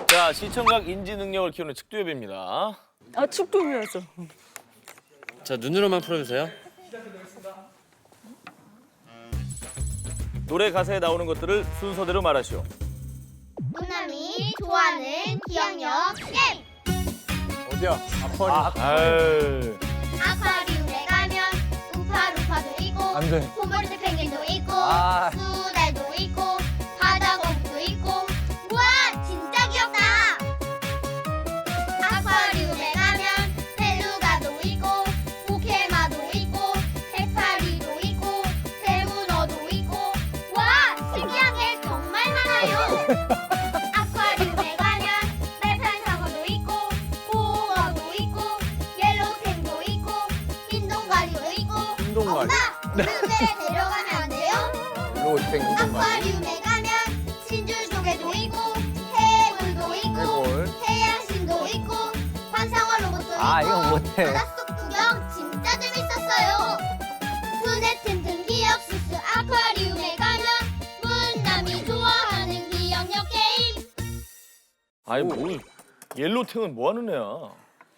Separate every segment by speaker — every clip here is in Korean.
Speaker 1: 자, 시청각 인지 능력을 키우는 측두엽입니다.
Speaker 2: 아, 축도이었어.
Speaker 3: 자, 눈으로만 풀어주세요.
Speaker 1: 노래 가사에 나오는 것들을 순서대로 말하시오.
Speaker 4: 누나미 좋아하는 기억력 게임.
Speaker 5: 어디야? 아쿠아리움.
Speaker 1: 아유.
Speaker 4: 아쿠아리움에 가면 우파루파도 있고
Speaker 5: 안 돼.
Speaker 4: 홈버드 펭귄도 있고
Speaker 5: 아.
Speaker 4: 수달도 있고 바다거북도 있고 우와 진짜 귀엽다. 아쿠아리움에 가면 벨루가도 있고 포케마도 있고 해파리도 있고 대문어도 있고 와 신기한 게 정말 많아요. 아쿠아리움에 가면 말판상어도 있고 보어도 있고 옐로우탱도 있고 흰동가리도 있고
Speaker 5: 흰동가리.
Speaker 4: 엄마 우리 군대에 데려가면 안 돼요?
Speaker 5: 로우탱 흰동가리.
Speaker 4: 아쿠아리움에 가면 진주조개도 있고 해골도 있고
Speaker 5: 해골.
Speaker 4: 해양신도 있고 환상어 로봇도
Speaker 5: 아,
Speaker 4: 있고
Speaker 5: 이건 못해.
Speaker 4: 바닷속 구경 진짜 재밌었어요. 눈에 튼튼 기억 수수 아쿠아리움에 가면 문남이 좋아하는 기억력 게임.
Speaker 1: 아이 뭐 옐로탱은 뭐 하는 애야?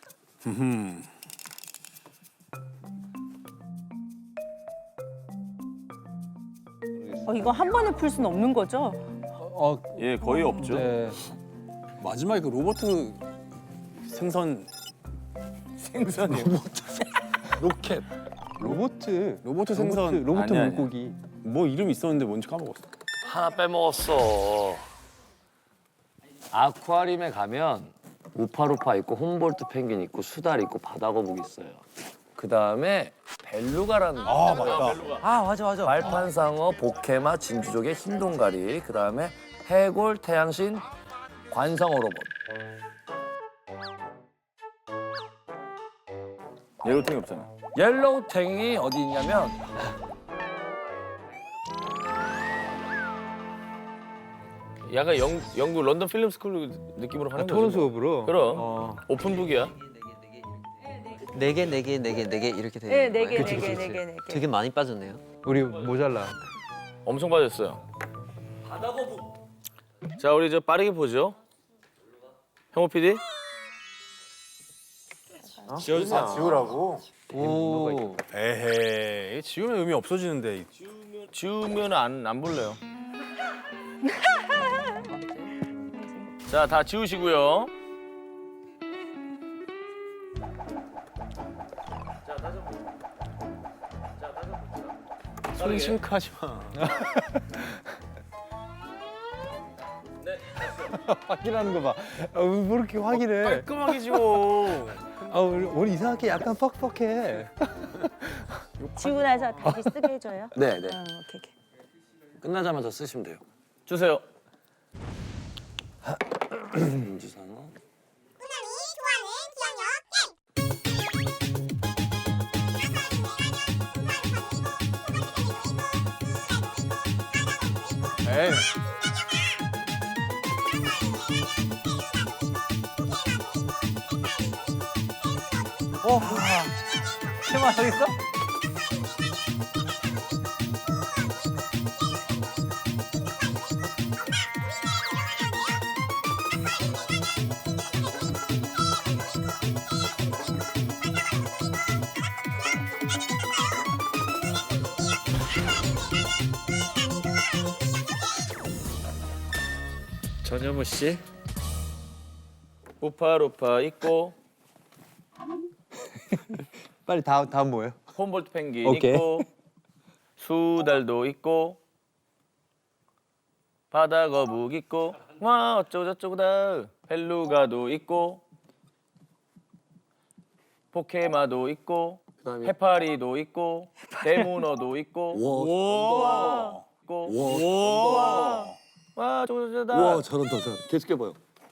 Speaker 2: 이거 한 번에 풀 수는 없는 거죠?
Speaker 1: 예, 거의 없죠.
Speaker 5: 네.
Speaker 6: 마지막에 그 로버트 생선
Speaker 1: 생선이요.
Speaker 6: 로켓
Speaker 5: 로보트
Speaker 6: 생선.
Speaker 5: 로보트
Speaker 1: 아니야,
Speaker 5: 물고기.
Speaker 6: 뭐 이름 있었는데 뭔지 까먹었어.
Speaker 3: 하나 빼먹었어. 아쿠아리움에 가면 우파루파 있고 홈볼트 펭귄 있고 수달 있고 바다거북 있어요. 그 다음에 벨루가라는 거.
Speaker 6: 맞다.
Speaker 5: 아, 맞아.
Speaker 3: 말판상어, 보케마, 진주조개, 흰동가리. 그 다음에 해골, 태양신, 관상어 로봇.
Speaker 1: 옐로탱이 없잖아.
Speaker 3: 옐로우탱이 어디 있냐면
Speaker 1: 약간 영국 런던 필름 스쿨 느낌으로 하는 거지.
Speaker 5: 토론
Speaker 1: 뭐.
Speaker 5: 수업으로.
Speaker 1: 그럼. 오픈북이야.
Speaker 7: 네 개 이렇게 돼.
Speaker 2: 네, 네 개,
Speaker 5: 그치,
Speaker 2: 네 개,
Speaker 5: 그치,
Speaker 2: 네 개, 네 개.
Speaker 7: 되게 많이 빠졌네요.
Speaker 5: 우리 모자라.
Speaker 1: 엄청 빠졌어요. 자, 우리 저 빠르게 보죠. 형호 PD.
Speaker 3: 지워주세요.
Speaker 5: 지우라고?
Speaker 7: 오.
Speaker 6: 에헤이 지우면 의미 없어지는데.
Speaker 1: 지우면 안 볼래요. 자, 다 지우시고요.
Speaker 6: 손심하지 마.
Speaker 5: 확인하는 거 봐. 뭐 이렇게 확인해.
Speaker 1: 깔끔하게 지워.
Speaker 5: 우리 이상하게 약간 퍽퍽해.
Speaker 2: 지우고 나서 다시 쓰게 해줘요?
Speaker 3: 네.
Speaker 2: 오케이, 오케이.
Speaker 3: 끝나자마자 쓰시면 돼요.
Speaker 1: 주세요.
Speaker 3: 민주상어.
Speaker 4: 누나미 좋아하는 기억력 게임.
Speaker 5: 에이. 테마 저기 있어?
Speaker 3: 전현무 씨.
Speaker 1: 우파루파 있고
Speaker 5: 빨리 다음 뭐예요?
Speaker 1: 홈볼트 펭귄
Speaker 5: 오케이.
Speaker 1: 있고 수달도 있고 바다거북 있고 와 어쩌고저쩌고다 벨루가도 있고 포케마도 있고 해파리도 있고 대문어도 있고
Speaker 6: 와.
Speaker 1: 있고 와 어쩌고저쩌다
Speaker 6: 와 잘한다. 계속 해봐요.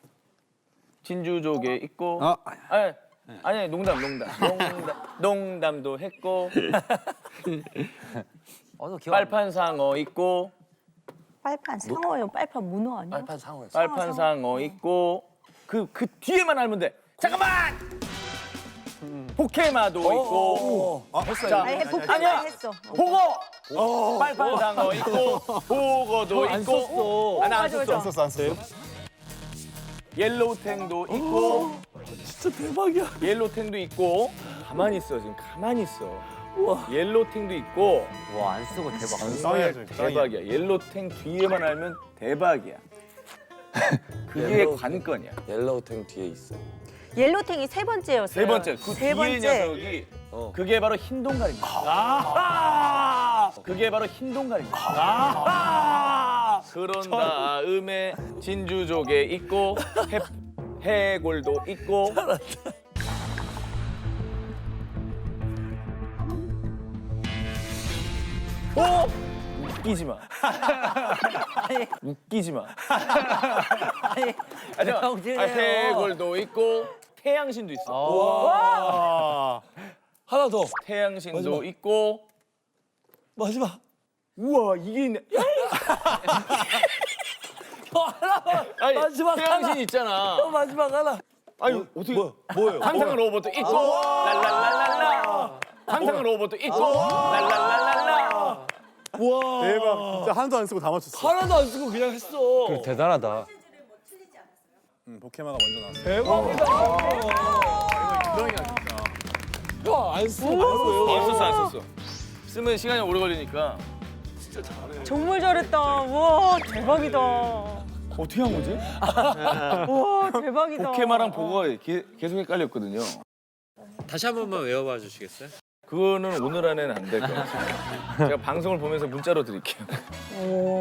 Speaker 1: 진주조개 있고
Speaker 6: 아.
Speaker 1: 아니 농담도 했고
Speaker 7: 너 기억.
Speaker 1: 빨판상어 있고
Speaker 2: 빨판 상어예요. 빨판 문어 아니야?
Speaker 3: 빨판 상어였어.
Speaker 1: 빨판상어 있고 그 뒤에만 알면 돼. 잠깐만. 포케마도 있고. 자,
Speaker 2: 아니, 포켓몬
Speaker 1: 아니야.
Speaker 2: 했어.
Speaker 1: 보거. 빨판상어 있고 보거도 있고.
Speaker 2: 오,
Speaker 1: 안
Speaker 2: 맞아,
Speaker 1: 썼어.
Speaker 2: 맞아.
Speaker 5: 안 썼어.
Speaker 1: 옐로우탱도 있고
Speaker 3: 진짜 대박이야.
Speaker 1: 옐로우탱도 있고 가만히 있어 지금 가만히 있어. 옐로우탱도 있고
Speaker 5: 와, 안 쓰고 대박.
Speaker 6: 짱이야,
Speaker 1: 정말
Speaker 6: 짱이야.
Speaker 1: 대박이야. 옐로우탱 뒤에만 알면 대박이야. 그게
Speaker 3: 옐로우-
Speaker 1: 관건이야.
Speaker 3: 옐로우탱 뒤에 있어.
Speaker 2: 옐로탱이 세 번째였어요.
Speaker 1: 세 번째 그
Speaker 2: 세
Speaker 1: 뒤에
Speaker 2: 번째.
Speaker 1: 녀석이
Speaker 3: 어.
Speaker 1: 그게 바로 흰 동갈입니다. 그게 바로 흰 동갈입니다. 그런 다음에 진주조개 있고 해골도 있고 어? 웃기지 마. 웃기지 마. 아니, 해골도 있고 태양신도 있어.
Speaker 6: 아,
Speaker 3: 하나 더.
Speaker 1: 태양신도 있고
Speaker 3: 마지막.
Speaker 1: 우와 이게 있네. 아니,
Speaker 3: 마지막
Speaker 1: 태양신 있잖아.
Speaker 3: 마지막 하나.
Speaker 1: 아니 어떻게
Speaker 6: 뭐예요?
Speaker 1: 상상의 로봇도 있고 랄랄랄랄라. 상상의 로봇도 있고 랄랄랄랄라.
Speaker 3: 와.
Speaker 6: 대박. 진짜 하나도 안 쓰고 다 맞췄어.
Speaker 3: 하나도 안 쓰고 그냥 했어.
Speaker 5: 대단하다.
Speaker 6: 포켓마가 먼저 나왔어.
Speaker 3: 야, 안 쓰고 바로
Speaker 1: 안
Speaker 3: 외워.
Speaker 1: 썼어 안 썼어. 쓰면 시간이 오래 걸리니까.
Speaker 2: 정말 잘했다. 와 대박이다.
Speaker 1: 어떻게 한 거지?
Speaker 2: 와 대박이다.
Speaker 1: 포켓마랑 보고가 계속 헷갈렸거든요.
Speaker 7: 다시 한 번만 외워봐 주시겠어요?
Speaker 1: 그거는 오늘 안에는 안 될 것 같아요. 제가 방송을 보면서 문자로 드릴게요.